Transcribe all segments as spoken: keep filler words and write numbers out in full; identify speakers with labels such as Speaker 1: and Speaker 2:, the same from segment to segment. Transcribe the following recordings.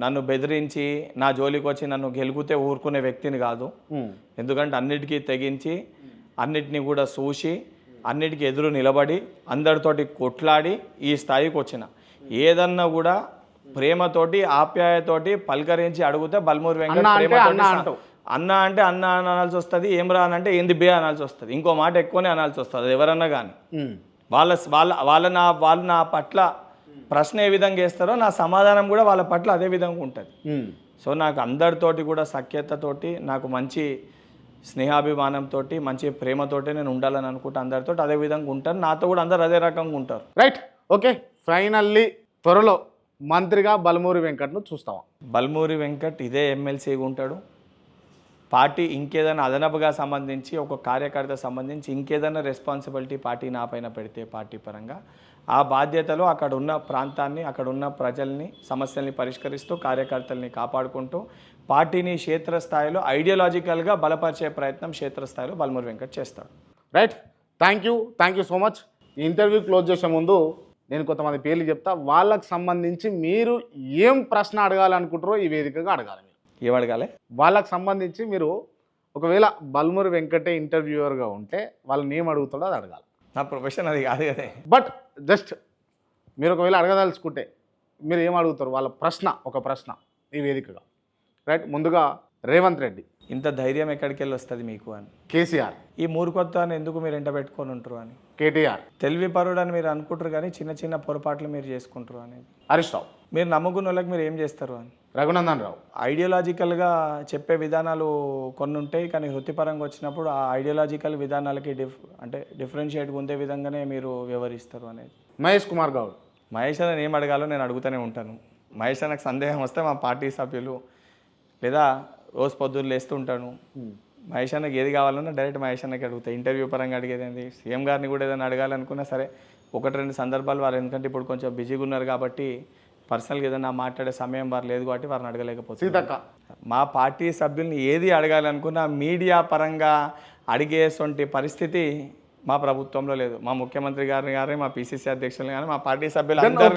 Speaker 1: నన్ను బెదిరించి నా జోలికి వచ్చి నన్ను గెలుకుతే ఊరుకునే వ్యక్తిని కాదు. ఎందుకంటే అన్నిటికీ తెగించి అన్నిటినీ కూడా చూసి అన్నిటికీ ఎదురు నిలబడి అందరితోటి కొట్లాడి ఈ స్థాయికి వచ్చిన. ఏదన్నా కూడా ప్రేమతోటి ఆప్యాయతోటి పలకరించి అడిగితే బల్మూరి వెంకట్ ప్రేమతోటి అన్న అంటే అన్న అనాల్సి వస్తుంది, ఏం రా అని అంటే ఏంది బే అనాల్సి వస్తుంది, ఇంకో మాట ఎక్కువనే అనాల్సి వస్తుంది ఎవరన్నా కానీ. వాళ్ళ వాళ్ళ వాళ్ళ నా వాళ్ళు నా పట్ల ప్రశ్న ఏ విధంగా వేస్తారో నా సమాధానం కూడా వాళ్ళ పట్ల అదే విధంగా ఉంటుంది. సో నాకు అందరితోటి కూడా సఖ్యతతోటి నాకు మంచి స్నేహాభిమానంతో మంచి ప్రేమతోటి నేను ఉండాలని అనుకుంటా. అందరితో అదే విధంగా ఉంటాను, నాతో కూడా అందరు అదే రకంగా ఉంటారు.
Speaker 2: Right, okay. ఫైనల్లీ త్వరలో మంత్రిగా బల్మూరి వెంకట్ను చూస్తావా?
Speaker 1: బల్మూరి వెంకట్ ఇదే ఎమ్మెల్సీగా ఉంటాడు. పార్టీ ఇంకేదైనా అదనపుగా సంబంధించి ఒక కార్యకర్త సంబంధించి ఇంకేదైనా రెస్పాన్సిబిలిటీ పార్టీ నా పైన పెడితే పార్టీ పరంగా ఆ బాధ్యతలో అక్కడ ఉన్న ప్రాంతాన్ని అక్కడ ఉన్న ప్రజల్ని సమస్యల్ని పరిష్కరిస్తూ కార్యకర్తల్ని కాపాడుకుంటూ పార్టీని క్షేత్రస్థాయిలో ఐడియాలజికల్గా బలపరిచే ప్రయత్నం క్షేత్రస్థాయిలో బల్మూరి వెంకట్ చేస్తాడు.
Speaker 2: Right, thank you thank you so much. ఈ ఇంటర్వ్యూ క్లోజ్ చేసే ముందు నేను కొంతమంది పేర్లు చెప్తా, వాళ్ళకి సంబంధించి మీరు ఏం ప్రశ్న అడగాలనుకుంటారో ఈ వేదికగా అడగాలి.
Speaker 1: ఏం అడగాలి?
Speaker 2: వాళ్ళకి సంబంధించి మీరు ఒకవేళ బల్మూరి వెంకటే ఇంటర్వ్యూవర్గా ఉంటే వాళ్ళని ఏం అడుగుతాడో అది అడగాలి.
Speaker 1: నా ప్రొఫెషన్ అది కాదు కదా.
Speaker 2: బట్ జస్ట్ మీరు ఒకవేళ అడగదలుచుకుంటే మీరు ఏం అడుగుతారు? వాళ్ళ ప్రశ్న ఒక ప్రశ్న ఈ వేదికగా. రైట్, ముందుగా రేవంత్ రెడ్డి,
Speaker 1: ఇంత ధైర్యం ఎక్కడికి వెళ్ళి వస్తుంది మీకు అని.
Speaker 2: కేసీఆర్,
Speaker 1: ఈ మూర్ఖత్వాన్ని ఎందుకు మీరు ఎంట పెట్టుకొని ఉంటారు అని.
Speaker 2: కేటీఆర్,
Speaker 1: తెలివి పరుడు అని మీరు అనుకుంటారు కానీ చిన్న చిన్న పొరపాట్లు మీరు చేసుకుంటారు అనేది.
Speaker 2: హరీష్ రావు,
Speaker 1: మీరు నమ్ముకున్న వాళ్ళకి మీరు ఏం చేస్తారు అని.
Speaker 2: రఘునందన్ రావు,
Speaker 1: ఐడియాలజికల్గా చెప్పే విధానాలు కొన్ని ఉంటాయి కానీ వృత్తిపరంగా వచ్చినప్పుడు ఆ ఐడియాలజికల్ విధానాలకి డిఫ్ అంటే డిఫరెన్షియేట్గా ఉండే విధంగానే మీరు వ్యవహరిస్తారు అనేది.
Speaker 2: మహేష్ కుమార్ గౌడ్,
Speaker 1: మహేష్ అని ఏం అడగాలో నేను అడుగుతూనే ఉంటాను. మహేష్ నాకు సందేహం వస్తే మా పార్టీ సభ్యులు లేదా రోజు పొద్దున్న లేస్తూ ఉంటాను. మహేష్ అన్నకి ఏది కావాలన్నా డైరెక్ట్ మహేష్ అన్నకి అడుగుతాయి. ఇంటర్వ్యూ పరంగా అడిగేది ఏంది, సీఎం గారిని కూడా ఏదైనా అడగాలనుకున్నా సరే ఒకటి రెండు సందర్భాలు వారు ఎందుకంటే ఇప్పుడు కొంచెం బిజీగా ఉన్నారు కాబట్టి పర్సనల్గా ఏదైనా మాట్లాడే సమయం వారు లేదు కాబట్టి వారిని అడగలేకపోతుంది. మా పార్టీ సభ్యుల్ని ఏది అడగాలనుకున్నా మీడియా పరంగా అడిగేటువంటి పరిస్థితి మా ప్రభుత్వంలో లేదు. మా ముఖ్యమంత్రి గారిని కానీ మా పిసిసి అధ్యక్షులు కానీ మా పార్టీ సభ్యులు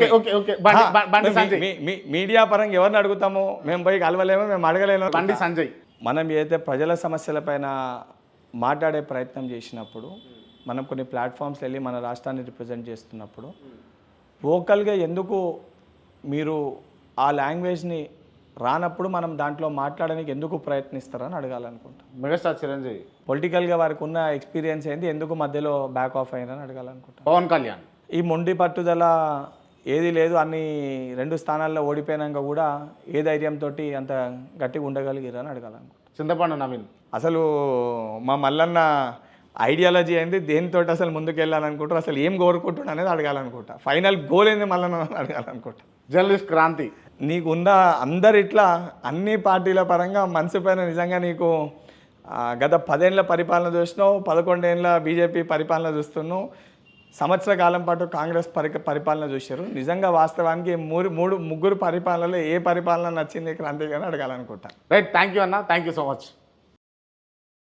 Speaker 1: మీడియా పరంగా ఎవరిని అడుగుతామో మేము పోయి కలవలేమో, మేము అడగలేము.
Speaker 2: బండి సంజయ్,
Speaker 1: మనం ఏదైతే ప్రజల సమస్యలపైన మాట్లాడే ప్రయత్నం చేసినప్పుడు మనం కొన్ని ప్లాట్ఫామ్స్ వెళ్ళి మన రాష్ట్రాన్ని రిప్రజెంట్ చేస్తున్నప్పుడు వోకల్గా ఎందుకు మీరు ఆ లాంగ్వేజ్ని రానప్పుడు మనం దాంట్లో మాట్లాడడానికి ఎందుకు ప్రయత్నిస్తారని అడగాలనుకుంటాం.
Speaker 2: మెగాస్టార్ చిరంజీవి,
Speaker 1: పొలిటికల్గా వారికి ఉన్న ఎక్స్పీరియన్స్ ఏంది, ఎందుకు మధ్యలో బ్యాక్ ఆఫ్ అయ్యారని అడగాలనుకుంటాం.
Speaker 2: పవన్ కళ్యాణ్,
Speaker 1: ఈ మొండి పట్టుదల ఏది లేదు అన్ని రెండు స్థానాల్లో ఓడిపోయినాక కూడా ఏ ధైర్యంతో అంత గట్టిగా ఉండగలిగారని అడగాలనుకుంటాం.
Speaker 2: చింతపండు నవీన్,
Speaker 1: అసలు మా మల్లన్న ఐడియాలజీ ఏంది, దేనితో అసలు ముందుకు వెళ్ళాలనుకుంటారు, అసలు ఏం కోరుకుంటున్నా అనేది అడగాలనుకుంటా. ఫైనల్ గోల్ ఏంది మల్లన్న అడగాలనుకుంటా.
Speaker 2: జర్నలిస్ట్ క్రాంతి,
Speaker 1: నీకున్న అందరు ఇట్లా అన్ని పార్టీల పరంగా మనసు పైన నిజంగా నీకు గత పదేళ్ల పరిపాలన చూసినావు, పదకొండేళ్ళ బీజేపీ పరిపాలన చూస్తున్నావు, సంవత్సర కాలం పాటు కాంగ్రెస్ పరి పరిపాలన చూశారు. నిజంగా వాస్తవానికి మూడు మూడు ముగ్గురు పరిపాలనలో ఏ పరిపాలన నచ్చింది క్రాంతి గారిని అడగాలనుకుంటా.
Speaker 2: రైట్, థ్యాంక్ యూ అన్న, థ్యాంక్ యూ సో మచ్.